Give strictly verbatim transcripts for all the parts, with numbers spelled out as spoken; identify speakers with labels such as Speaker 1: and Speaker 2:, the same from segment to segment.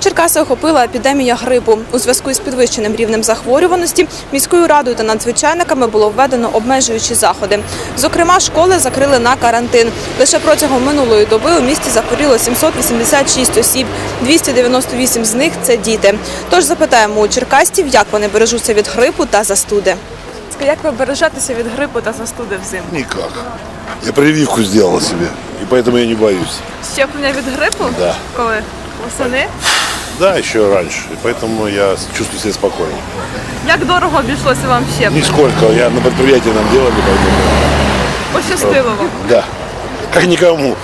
Speaker 1: Черкаси охопила епідемія грипу. У зв'язку із підвищеним рівнем захворюваності міською радою та надзвичайниками було введено обмежуючі заходи. Зокрема, школи закрили на карантин. Лише протягом минулої доби у місті захворіло сімсот вісімдесят шість осіб, двісті дев'яносто вісім з них – це діти. Тож запитаємо у черкасців, як вони бережуться від грипу та застуди. Як ви бережетеся від грипу та застуди взимку?
Speaker 2: Никак. Я прививку сделала себе, и поэтому я не боюсь.
Speaker 1: Щеплення від грипу?
Speaker 2: Да.
Speaker 1: Коли? Восени?
Speaker 2: Да, еще раньше, и поэтому я чувствую себя спокойно.
Speaker 1: Як дорого обійшлося вам щеплення?
Speaker 2: Нисколько, я на предприятии нам делали, поэтому...
Speaker 1: Пощастило вам?
Speaker 2: Да, как никому.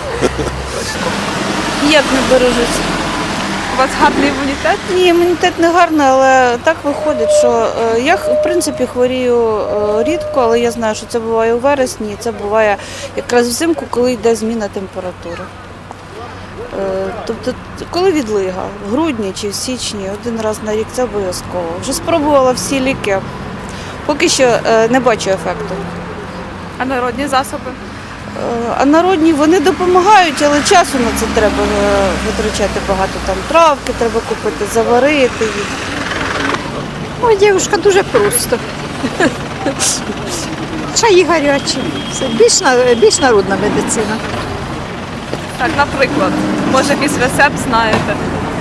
Speaker 3: Як не бережуся?
Speaker 1: У вас гарний імунітет?
Speaker 3: Ні, імунітет не гарний, але так виходить, що е, я в принципі хворію е, рідко, але я знаю, що це буває у вересні, і це буває якраз взимку, коли йде зміна температури. Е, тобто, коли відлига, в грудні чи в січні, один раз на рік це обов'язково. Вже спробувала всі ліки, поки що е, не бачу ефекту.
Speaker 1: А народні засоби?
Speaker 3: А народні вони допомагають, але часу на це треба витрачати багато. Там травки треба купити, заварити їх.
Speaker 4: Ой, дівчинка, дуже просто. Чаї гарячі. Це більш, на- більш народна медицина.
Speaker 1: Так, наприклад. Може, якийсь рецепт знаєте?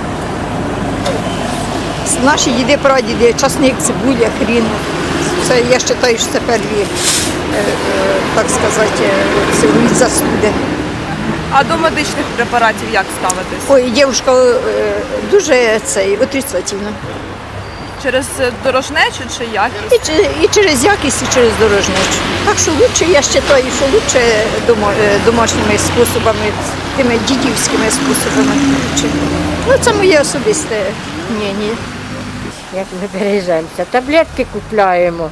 Speaker 4: Наші діди, прадіди, часник, цибуля, хрін. Це, я вважаю, що це перві, е, е, так сказати, це від застуди.
Speaker 1: А до медичних препаратів як ставитись?
Speaker 4: Ой, дівчинка е, дуже цей, отрицательно.
Speaker 1: Через дорожнечу чи якість?
Speaker 4: І, чи- і через якість, і через дорожничу. Так що лучше, я вважаю, що лучше дома, е, домашніми способами, тими дідівськими способами. Лучше. Ну, це моє особисте мнення.
Speaker 5: Як ми бережемося? Таблетки купляємо.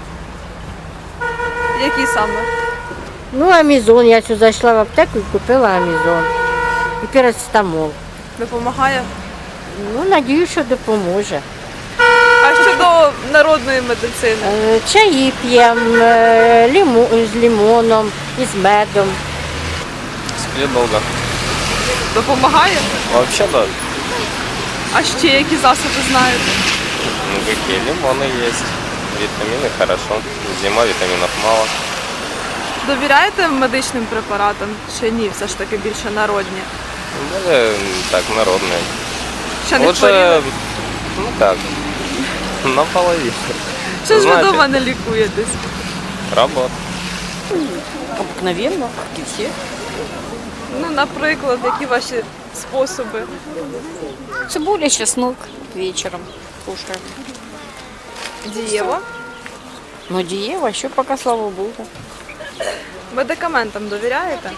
Speaker 1: Які саме?
Speaker 5: Ну, амізон. Я сюди зайшла в аптеку і купила амізон. І парацетамол.
Speaker 1: Допомагає?
Speaker 5: Ну, надію, що допоможе.
Speaker 1: А щодо народної медицини?
Speaker 5: Е, Чаї п'ємо е, ліму- з лимоном і з медом.
Speaker 6: Сплю долго.
Speaker 1: Допомагає?
Speaker 6: Вообще да.
Speaker 1: А ще які засоби знаєте?
Speaker 6: Ну какие лимоны есть. Витамины хорошо. Зима, витаминов мало.
Speaker 1: Довіряєте медичним препаратам чи ні? Все ж таки більше народні.
Speaker 6: Более так, народные.
Speaker 1: Ще не хворіли?
Speaker 6: Лучше, ну как, наполовину.
Speaker 1: Чи ж ви
Speaker 6: знаєте.
Speaker 1: вдома не лікуєтесь?
Speaker 6: Работа.
Speaker 3: Обикновенно, як і всі.
Speaker 1: Ну, наприклад, які ваші способи?
Speaker 3: Цибуля, чеснок вечором кушаю.
Speaker 1: Дієво?
Speaker 3: Ну, дієва, що поки, слава Богу.
Speaker 1: Медикаментам довіряєте?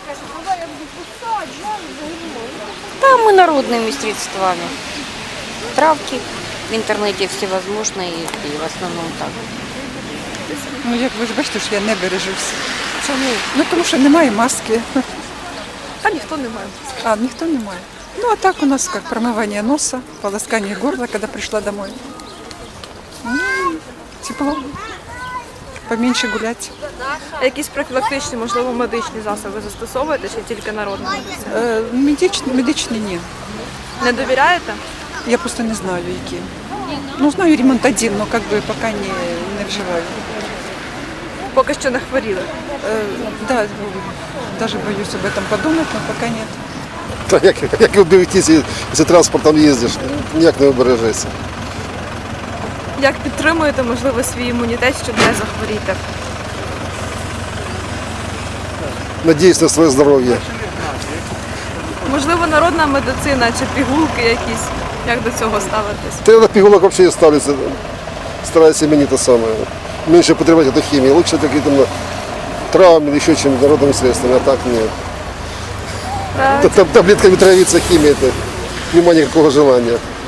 Speaker 3: Да, мы народными средствами. Травки в интернете всевозможные и в основном так.
Speaker 7: Ну, як ви ж бачите, що я не бережуся.
Speaker 1: Чому?
Speaker 7: Ну, тому що немає маски.
Speaker 1: А ніхто не має.
Speaker 7: А, ніхто не має. Ну, а так у нас как промывание носа, полоскание горла, когда пришла домой. Ну, тепло. Поменьше гулять.
Speaker 1: А якісь профілактичні, можливо, медичні засоби застосовуєте чи тільки народну медицину?
Speaker 7: Е, медичні, медичні ні.
Speaker 1: Не довіряєте?
Speaker 7: Я просто не знаю, які. Ну, знаю ремонтадин, но как бы пока не, не вживаю.
Speaker 1: Поки що не хворіли.
Speaker 7: Е, да, даже боюсь об этом подумать, но пока нет.
Speaker 8: Та як, як уберегтися, якщо транспортом їздиш, ніяк не обережешся.
Speaker 1: Як підтримуєте, можливо, свій імунітет, щоб не захворіти?
Speaker 8: Надіюсь на своє здоров'я.
Speaker 1: Можливо, народна медицина чи пігулки якісь. Як до цього ставитись?
Speaker 8: Та я на пігулок взагалі не ставлюся. Стараюся мені те саме. Менше потребувати эту хімію. Лучше какие-то ну, травмы или еще чем народными средствами, а так нет.
Speaker 1: Так.
Speaker 8: Там таблетками травиться химией, это нема никакого желания.